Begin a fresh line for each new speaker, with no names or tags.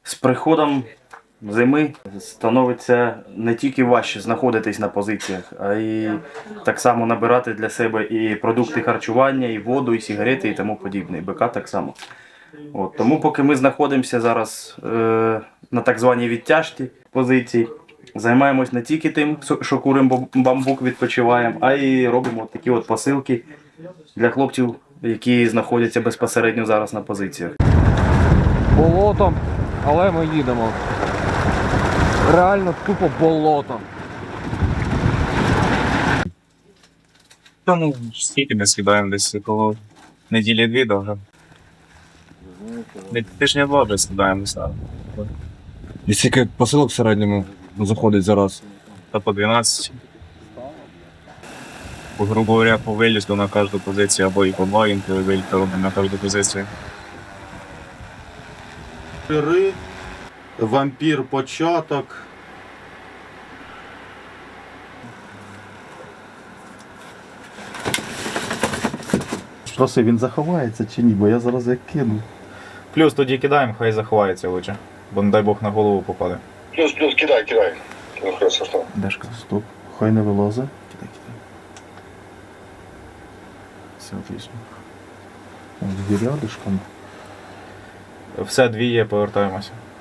З приходом зими становиться не тільки важче знаходитись на позиціях, а й так само набирати для себе і продукти харчування, і воду, і сигарети, і тому подібне. І БК так само. От, тому поки ми знаходимося зараз на так званій відтяжці позицій, займаємось не тільки тим, що куримо бамбук, відпочиваємо, а й робимо такі от посилки для хлопців, які знаходяться безпосередньо зараз на позиціях.
Болотом, але ми їдемо. Реально тупо болото.
Тому скільки ми скидаємо десь коло неділі-дві довго. Тижня два вже скидаємося.
І скільки посилок в середньому заходить зараз?
Та по 12. Грубо говоря, по вилізду на кожну позицію, або і по 2 інколи виліти робимо на кожну позицію.
Вампір початок. Спроси, він заховається чи ні, бо я зараз як кину.
Плюс тоді кидаємо, хай заховається лучше, бо не дай Бог на голову попаде.
Плюс, кидай. Ну, хорошо, что?
Дешка.
Стоп, хай не вилазить. Кидай. Все отлично. Дві рядышком.
Все, дві є, повертаємося.